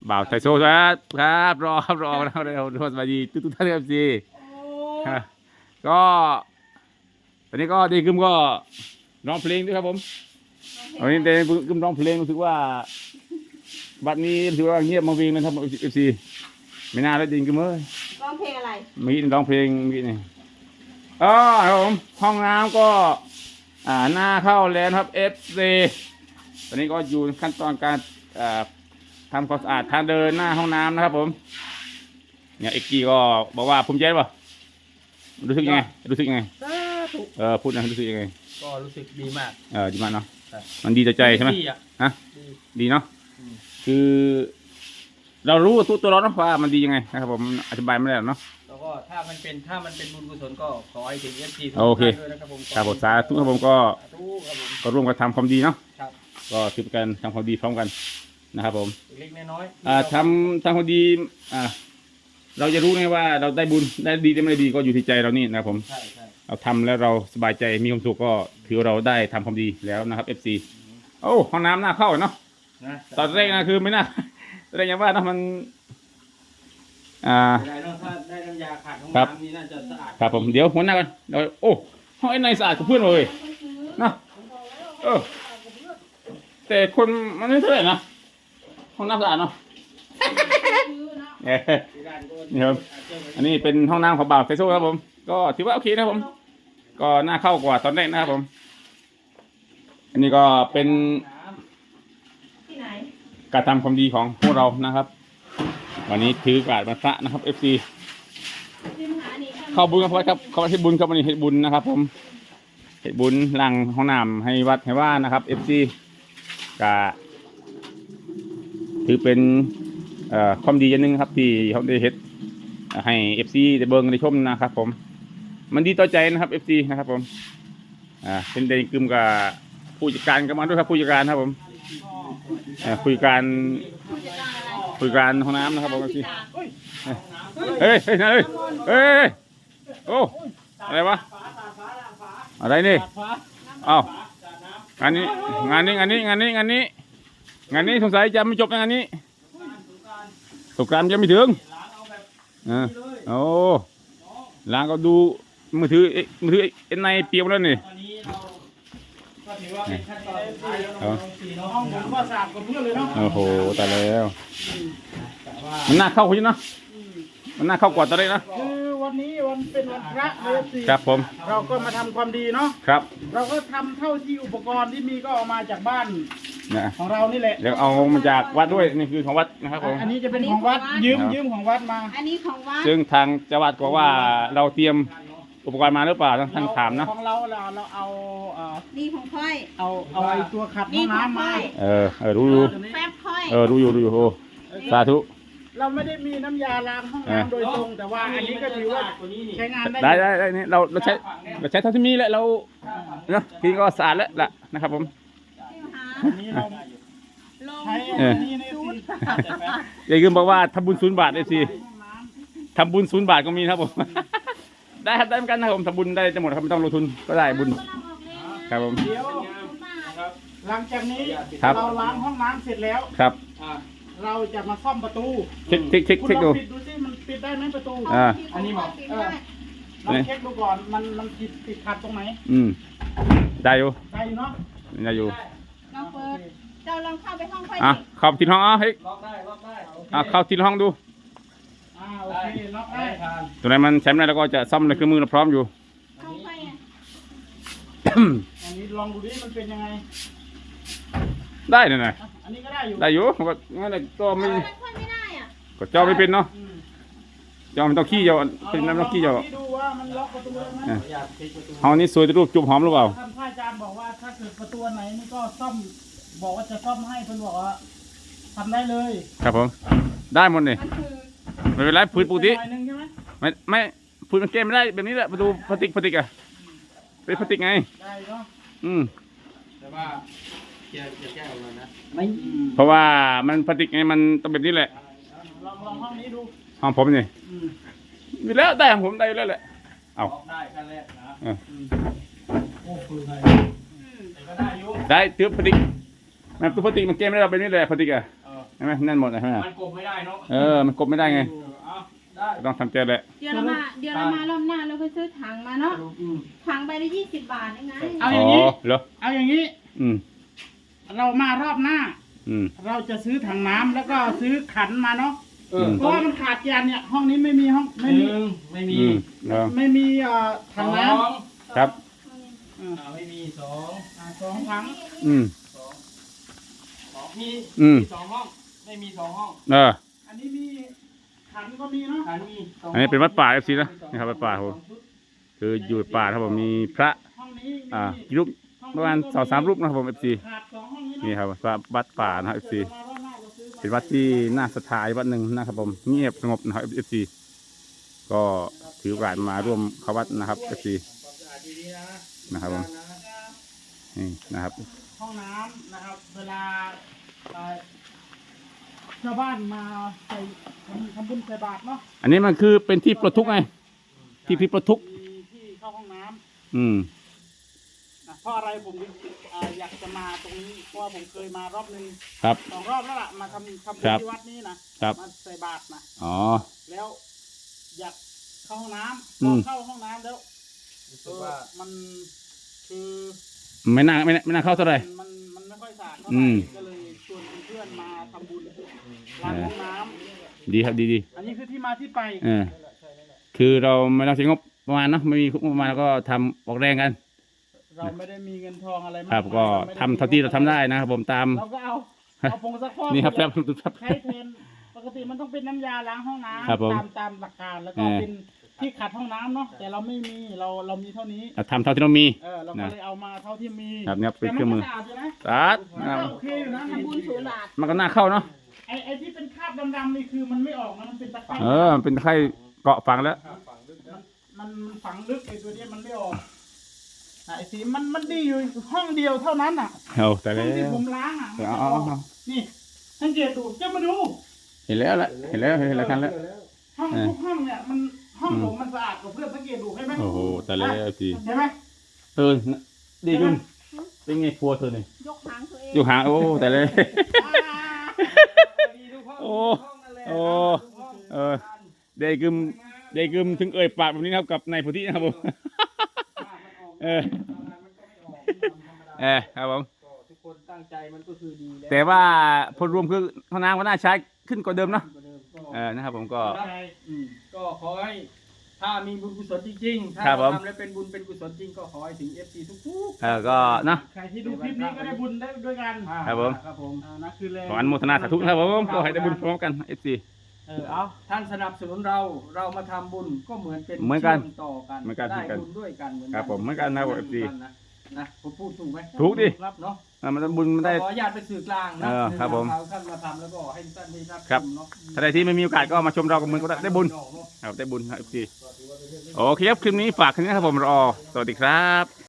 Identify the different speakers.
Speaker 1: บ่าวไทโซ่ครับรอแล้วเร็วสวัสดีทุกท่านครับซีก็ตอนนี้ก็ดีกึมก็ร้องเพลงด้วยครับผมวันนี้ดีกึมร้องเพลงรู้สึกว่าบัดนี้ถือว่าเงียบมาวิ่งนะครับเอฟซีไม่น่าได้ดีกึมเลย
Speaker 2: ร้องเพลงอะไร
Speaker 1: มีร้องเพลงมีนี่ครับผมห้องน้ำก็หน้าเข้าแล้วครับเอฟซีตอนนี้ก็อยู่ขั้นตอนการทำความสะอาดทางเดินหน้าห้องน้ำนะครับผมเนี่ยเอ็กกี้ก็บอกว่าภูมิใจป่ะรู้สึกยังไงพูดนะรู้สึกยังไง
Speaker 3: ก็รู้สึกดีมาก
Speaker 1: ดีมากเนาะมันดีต่อใจใช่ไหมฮะดีเนาะคือเรารู้ตัวเราเนาะว่ามันดียังไงนะครับผมอธิบายไม่ได้หรอกเนาะ
Speaker 3: แล้วก็ถ้ามันเป็นบุญกุศลก็ขอให้ถึงFCทุก
Speaker 1: ท่าน
Speaker 3: ด้วยนะครับผม
Speaker 1: ครับผมสาธุครับผมก็ร่วมกันทำความดีเนาะก็ถือเป็นการทำความดีพร้อมกันนะครับผม
Speaker 3: เล็กน้อย
Speaker 1: ทำความดีเราจะรู้ไงว่าเราได้บุญได้ดีได้ไม่ดีก็อยู่ที่ใจเรานี่นะครับผมเราทำแล้วเราสบายใจมีความสุขก็ถือเราได้ทำความดีแล้วนะครับ FC โอ้ห้องน้ำน่าเข้าเนาะตอนแรกนะคือไม่น่าแรกยังว่านะมัน
Speaker 3: ถ้าได้น้ำยาขัดห้องน้ำนี่น่าจะสะอาด
Speaker 1: ครับผมเดี๋ยวหัวหน้ากันเดี๋ยวโอ้ห้องไอ้ในสะอาดกับเพื่อนเลยนะแต่คนมันไม่เท่าไหร่นะห้องน้ำสะอาดเนาะนี่ครับอันนี้เป็นห้องน้ำของบ่าวไทโซ่ครับผมก็ถือว่าโอเคนะครับผมก็น่าเข้ากว่าตอนแรกนะครับผมอันนี้ก็เป็นการทำความดีของพวกเรานะครับวันนี้ถือกาดมาสะนะครับ FC เข้าบุญครับเข้าให้บุญครับวันนี้ให้บุญนะครับผมให้บุญหลังห้องน้ำให้วัดให้ว่านะครับ FC ก็ถือเป็นความดีอย่างหนึ่งครับที่เขาได้เฮ็ดให้ FC ได้เบิ่งได้ชมนะครับผมมันดีต่อใจนะครับ FC นะครับผมเป็นเดนกึมกับผู้จัดการกันมาด้วยครับผู้จัดการครับผมผู้จัดการห้องน้ำนะครับผมFC เฮ้ยโอ้อะไรวะอะไรนี่อ้าวงานนี้สงสัยจะไม่จบงานนี้สงกรานต์ยังไม่ถึงโอ้ล้างก็ดูมือถือเอ็นไนเปียกแล้วนี่
Speaker 3: ห้องผมก็สะอาดกว่าเพื่อนเลยเนาะ
Speaker 1: โอ้โหตายแล้วมันน่าเข้าคุณนะมันน่าเข้ากว่าตอนแรกนะ
Speaker 3: คือวันนี้วันเป็นวันพระเลยสิ
Speaker 1: ครับผม
Speaker 3: เราก็มาทำความดีเนาะ
Speaker 1: ครับ
Speaker 3: เราก็ทำเท่าที่อุปกรณ์ที่มีก็เอามาจากบ้านของเรานี่แหละ
Speaker 1: เดี๋ยวเอามาจากวัดด้วยนี่คือของวัดนะครับผม
Speaker 3: อันนี้จะเป็นของวัดยืมของวัดมา
Speaker 2: อันนี้ของวัด
Speaker 1: ซึ่งทางจังหวัดบอกว่าเราเตรียมอุปกรณ์มาหรือเปล่าท่านถามนะ
Speaker 3: ของเราเอา
Speaker 2: นี่ของค่อย
Speaker 3: เอาไอ้ตัวขัดห้องน้ำมา
Speaker 1: รู้
Speaker 2: แฟบค่อย
Speaker 1: รู้อยู่โอ้สาธุ
Speaker 3: เราไม่ได้มีน้ำยาล้างห้องน้ำโดยตรงแต่ว่าอันนี้ก็ถือว่าใช้งาน
Speaker 1: ได้นี่เราใช้เท่าที่มีแหละเราเนาะทีก็สะอาดแล้วล่ะนะครับผม
Speaker 3: ใช้อันนี้ในศูนย์
Speaker 1: ยายกึมบอกว่าทำบุญ0 บาทได้สิทำบุญ0 บาทก็มีครับผมได้ครับได้เหมือนกันนะครับผมทำบุญได้จะหมดครับไม่ต้องลงทุนก็ได้บุญครับผม
Speaker 3: เดี๋ยวหลังจากนี้เราล้างห้องน้ำเสร็จแล้ว
Speaker 1: ครับ
Speaker 3: เราจะมาซ่อมประตู
Speaker 1: เช็ค
Speaker 3: ดูปิดดูสิมันปิดได้ไหมประตูอันนี้บอกเราเช็คดูก่อนมันติดขัดตรงไหน
Speaker 1: ได้อยู่
Speaker 3: เนาะ
Speaker 1: ได้อยู่
Speaker 2: ลองเปิดเราลองเข้าไปห้องค่อย
Speaker 1: เข้าที่ห้องเฮ้ย
Speaker 3: ล็อกได้
Speaker 1: เข้าที่ห้องดู
Speaker 3: โอเคล็อกได้
Speaker 1: ตัวไหนมันใช้ไม่ได้แล้วก็จะซ่อมในเครื่องมือเราพร้อมอยู่
Speaker 3: อันนี้ลองดูดิมันเป็นยังไง
Speaker 1: ได้หน่อย
Speaker 3: อันนี้ก็ได้อยู่
Speaker 1: ก็งั้นเลยก็ไม่ก็เจ้าไม่เป็นเนาะเจ้ามันต้องขี้เจ้าเป็นน้ำต้องขี้เจ้า
Speaker 3: ดูว่ามันล็อกประตูได้ไหม
Speaker 1: ห้องนี้สวยรูปจุ่มหอมหรือเปล่า
Speaker 3: ท่านอาจารย์บอกว่าถ้าเกิดประตูไหนนี่ก็ซ่อมบอกว่าจะซ่อมให้เพิ่นบอกว่าทำได้เลย
Speaker 1: ครับผมได้หมดเลยไม่เป็นไรพื้นปกติไม่พื้นมันเกมไม่ได้แบบนี้แหละประตูพลาสติกอ่ะเป็นพลาสติกไง
Speaker 3: ได้เนาะ
Speaker 1: แต่ว่าจะแก้ออกมานะไม่เพราะว่ามันพลาสติกไงมันต้องแบบนี้แหละ
Speaker 3: ลองห้องนี้ดู
Speaker 1: ห้องผมนี่มีแล้วได้ของผมได้แล้วแหละเอา
Speaker 3: ได้ขั้นแรกนะโอ้คือไง
Speaker 1: ได้เตือบพลาสติกมันตัวพลาสติกมันเกมไม่ได้เราเป็นนี่แหละพลาสติกอ่ะใช่ไหมแน่นหมดเลยใช่ไหม
Speaker 3: มันกบไม่ได้เนาะ
Speaker 1: มันกบไม่ได้ไง
Speaker 3: เอาได้
Speaker 1: ต้องทำใจแหละ
Speaker 2: เดี๋ยวเรามารอบหน้าเราไปซื้อถังมาเนาะ ถังใบละ20 บาทเองไง
Speaker 3: เอาอย่างนี้
Speaker 1: เหรอ
Speaker 3: เอาอย่างนี้
Speaker 1: อืม
Speaker 3: เรามารอบหน้า
Speaker 1: อืม
Speaker 3: เราจะซื้อถังน้ำแล้วก็ซื้อขันมาเนาะ
Speaker 1: ม
Speaker 3: เพราะว่ามันขาดจานเนี่ยห้องนี้ไม่มีห้องไม่มี
Speaker 4: ไม่มี
Speaker 1: อืมเออ
Speaker 3: ไม่มีถังน้
Speaker 1: ครับ
Speaker 3: ำ
Speaker 4: ไม่มีสอง
Speaker 3: สองถัง
Speaker 1: อืม
Speaker 4: มี
Speaker 1: อืม
Speaker 4: สองห้อง ไม่มีสองห้อง
Speaker 3: อันนี้มีขันก็มีเนาะ
Speaker 4: ฐานมีสอง
Speaker 1: อันนี้เป็นวัดป่า FC นะนี่ครับวัดป่าครับผมคืออยู่ป่าครับผมมีพระ
Speaker 3: ห้องนี้มี
Speaker 1: กี่รูปประมาณ2-3 รูปนะครับผม FC
Speaker 3: ขาดสองห้องนี้
Speaker 1: นี่
Speaker 3: เนาะ
Speaker 1: ครับวัดป่านะครับ FC
Speaker 3: มารอบหน้าเราซื้อมา
Speaker 1: เป็นวัดที่น่าศรัทธาอีกวัดหนึ่งนะครับผมเงียบสงบนะครับ FC ก็ถือโอกาสมาร่วมเข้าวัดนะครับ FC
Speaker 4: ความสะอาดดีๆนะ
Speaker 1: นะครับผมนี่นะครับ
Speaker 3: ห้องน้ำนะครับ เวลาชาวบ้านมาใส่ทำบุญใส่บาตรเนาะ
Speaker 1: อันนี้มันคือเป็นที่ปลดทุกข์ไงที่ปลดทุกข์
Speaker 3: มีที่เข้าห้องน้ำ
Speaker 1: อืม
Speaker 3: นะเพราะอะไรผมอยากจะมาตรงนี้เพราะว่าผมเคยมารอบนึง
Speaker 1: ครับ
Speaker 3: 2 รอบแล้วล่ะมาทำบุญ
Speaker 1: ครับ
Speaker 3: ที่วัดนี้นะครับ มาใส่บาตรนะ
Speaker 1: อ๋อ
Speaker 3: แล้วอยากเข้าห้องน้ำ
Speaker 1: อื
Speaker 3: พอ
Speaker 1: ม
Speaker 3: เข้าห้องน้ำแล้ว
Speaker 4: รู้สึกว่า
Speaker 3: มันคือ
Speaker 1: ไม่น่าเข้าเท่าไหร่
Speaker 3: มันไม่ค่อยสะอาดเท่าไห
Speaker 1: อื
Speaker 3: ร่
Speaker 1: ม
Speaker 3: ก็เลยชวนเพื่อนๆมาทำบุญล้างห้องน้ำ
Speaker 1: ดีครับดี
Speaker 3: อันนี้คือที่มาที่ไป
Speaker 1: เออคือเราไม่ต้องใช้งบประมาณเนาะไม่มีงบประมาณแล้วก็ทำออกแรงกัน
Speaker 3: เราไม่ได้มีเงินทองอะไรมาก
Speaker 1: ครับ
Speaker 3: มาย
Speaker 1: ก็
Speaker 3: รไม่
Speaker 1: ทำเท่าที่เราทำได้นะครับผมตาม
Speaker 3: เราก็เอาผงซักฟอก
Speaker 1: นี่ครับครับครับ
Speaker 3: ใช้แทนปกติมันต้องเป็นน้ำยาล้างห้องน้ำ
Speaker 1: ครับผม
Speaker 3: ตามหลักการแล้วก็
Speaker 1: เออ
Speaker 3: เป็นที่ขัดห้องน้ำเนาะแต่เราไม่มีเรามีเท่านี้
Speaker 1: เราทำเท่าที่เรามี
Speaker 3: เราก็เลยเอามาเท่าที่มี
Speaker 1: ครับเนี่ยเป็นเครื่องมือ
Speaker 3: แต่มันก็สะอาดอยู่นะ
Speaker 1: สาด
Speaker 3: มันก็โอเคอยู่นะ
Speaker 2: ทำบุญ0 บาท
Speaker 1: มันก็น่าเข้าเนาะ
Speaker 3: ไอ้ที่เป็นคราบดำๆนี่คือมันไม่ออกนะมันเป็นตะไคร้
Speaker 1: มันเป็นไข้เกาะฝังแล้ว
Speaker 3: มันฝังลึกไอ้ตัวเนี้ยมันไม่ออกไอ้สีมันดีอยู่ห้องเดียวเท่านั้นอ่ะ
Speaker 1: เอาแต่
Speaker 3: ห้
Speaker 1: แล้
Speaker 3: องที่
Speaker 1: ว
Speaker 3: ผมล้างอ่ะมัน
Speaker 1: อ๋
Speaker 3: จะ
Speaker 1: อ
Speaker 3: ออกนี่สังเกตดูจะมาดู
Speaker 1: เห็นแล้วแหละเห็นแล้วทันแล้ว
Speaker 3: ห้องทุกห้องเนี่ยมันห้องผมมันสะอาดกว่าเพื่อนสังเกตดูใช่ไหม
Speaker 1: โอ้โหแต่แล้วสิ
Speaker 3: เห็นไหม
Speaker 1: ดีจุ้มเป็นไงครัวเธอเนี่ย
Speaker 2: ยกหางตัวเอง
Speaker 1: อยู่ห่างโอ้แต่เลย
Speaker 4: ดีทุกห้อง
Speaker 1: โอ้
Speaker 4: ทุกห้องนั่นแหละ
Speaker 1: โอ้
Speaker 4: ทุกห้อง
Speaker 1: เออเดกึมถึงเอ่ยปากแบบนี้นะครับกับนายพุทธินะครับผมเออครับผม
Speaker 4: ก็ทุกคนตั้งใจมันก็คือดีแล้ว
Speaker 1: แต่ว่าผลรวมคือห้องน้ำก็น่าใช้ขึ้นกว่าเดิมเนาะ
Speaker 4: กว่าเดิมก็
Speaker 1: นะครับผมก็
Speaker 4: ก็ขอให้ถ้ามีบุญกุศลจริงๆถ้า
Speaker 1: ครับผม
Speaker 4: เราทำแล้วเป็นบุญเป็นกุศลจริงก็ขอให้ถึง FC ทุก
Speaker 1: ก็เนาะ
Speaker 3: ใครที่ดูคลิปนี้ก็ได้บุญได้ด้วยกัน
Speaker 4: ๆ
Speaker 1: ครับผม
Speaker 4: ครับผม
Speaker 3: นะคือเลย
Speaker 1: ขออนุโมทนาสาธุนะครับผมก็ให้ได้บุญพร้อมกันเอฟซี
Speaker 4: เอาท่านสนับสนุนเรามาทำบุญก็เหมือนเป็น
Speaker 1: เหมือนกัน
Speaker 4: ชื่ต่อกัน
Speaker 1: เหมือนกัน
Speaker 4: ได้บุญด้วยกันเหมือนกัน
Speaker 1: ครับผมเหมือนกันนะครับ FC
Speaker 4: นะผมพูดถูกไหม
Speaker 1: ถูกดิ
Speaker 4: ครับเนาะ
Speaker 1: มันบุญมันได้
Speaker 4: ขออนุญาตเป็นสื่อกลางนะ
Speaker 1: ครับผม
Speaker 4: เอาท่านมาทำแล้วก็ให้ท่านได้รับ
Speaker 1: ครับ
Speaker 4: ชมเนาะ
Speaker 1: ถ้าใดที่ไม่มีโอกาสก็มาชมเรากับมือก็ได้บุญครับได้บุญครับเอฟซีโอเคครับคลิปนี้ฝากแค่นี้ครับผมรอสวัสดีครับ